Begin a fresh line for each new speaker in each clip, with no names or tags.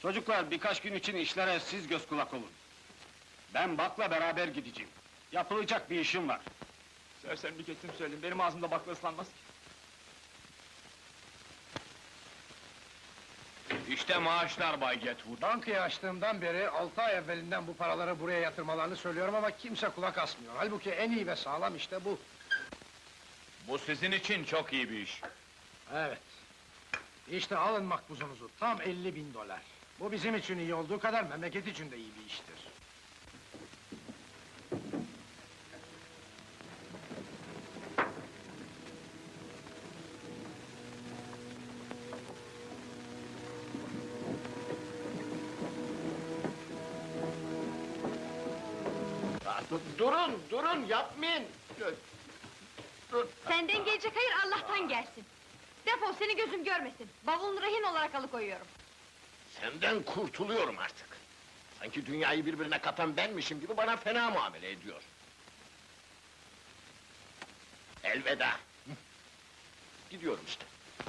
Çocuklar, birkaç gün için işlere siz göz kulak olun. Ben Bak'la beraber gideceğim. Yapılacak bir işim var.
Sersem bir kesim söyledim, benim ağzımda bakla ıslanmaz ki.
İşte maaşlar Bay Getwood.
Bankayı açtığımdan beri 6 ay evvelinden bu paraları buraya yatırmalarını söylüyorum ama kimse kulak asmıyor. Halbuki en iyi ve sağlam işte bu.
Bu sizin için çok iyi bir iş.
Evet. İşte alın makbuzunuzu, tam 50.000 dolar. Bu bizim için iyi olduğu kadar memleket için de iyi bir iştir.
Durun, yapmayın!
Senden gelecek hayır Allah'tan gelsin. Defol, seni gözüm görmesin. Bavulunu rehin olarak alıkoyuyorum.
Senden kurtuluyorum artık. Sanki dünyayı birbirine katan benmişim gibi bana fena muamele ediyor. Elveda! Gidiyorum işte.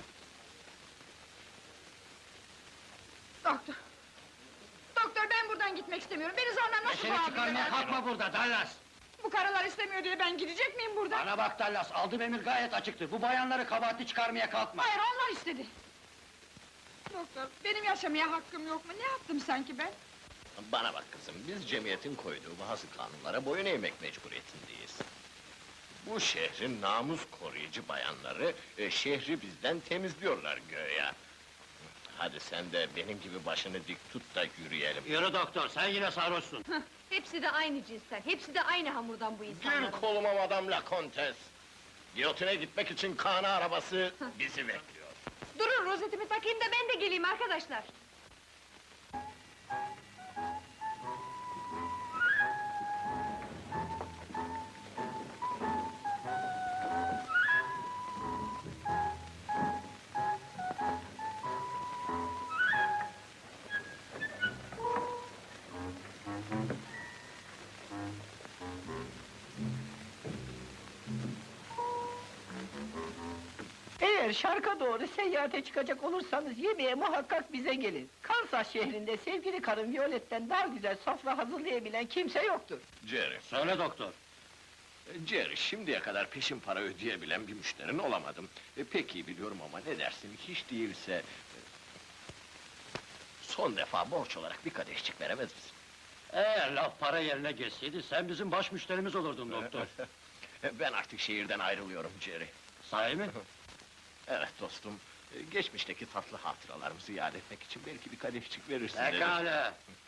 Doktor! Doktor, ben buradan gitmek istemiyorum. Beni zorla nasıl
Seni çıkarmaya kalkma burada Dallas!
Bu karılar istemiyor diye ben gidecek miyim buradan?
Bana bak Dallas, aldığım emir gayet açıktı. Bu bayanları kabahatli çıkarmaya kalkma.
Hayır, onlar istedi. Doktor, benim yaşamaya hakkım yok mu? Ne yaptım sanki ben?
Bana bak kızım, biz cemiyetin koyduğu bazı kanunlara boyun eğmek mecburiyetindeyiz. Bu şehrin namus koruyucu bayanları, şehri bizden temizliyorlar göya. Hadi sen de benim gibi başını dik tut da yürüyelim.
Yürü doktor, sen yine sarhoşsun.
Hepsi de aynı cinsten, hepsi de aynı hamurdan bu
Gir
insanlar.
koluma Madame la Comtesse! Giyotine gitmek için kana arabası bizi bekliyor.
Durun, rozetimi takayım da ben de geleyim arkadaşlar.
Eğer şarka doğru seyahate çıkacak olursanız yemeğe muhakkak bize gelin. Kansas şehrinde sevgili karım Violet'ten daha güzel sofra hazırlayabilen kimse yoktur.
Jerry,
Söyle doktor.
Jerry, şimdiye kadar peşin para ödeyebilen bir müşterin olamadım. Pek iyi biliyorum ama ne dersin, hiç değilse... Son defa borç olarak bir kadehçik veremez misin?
Eğer laf para yerine geçseydi, sen bizim baş müşterimiz olurdun doktor.
Ben artık şehirden ayrılıyorum Jerry.
Sahi mi?
Evet dostum, geçmişteki tatlı hatıralarımızı yad etmek için belki bir kadehçik verirsin dedim.
Pekala!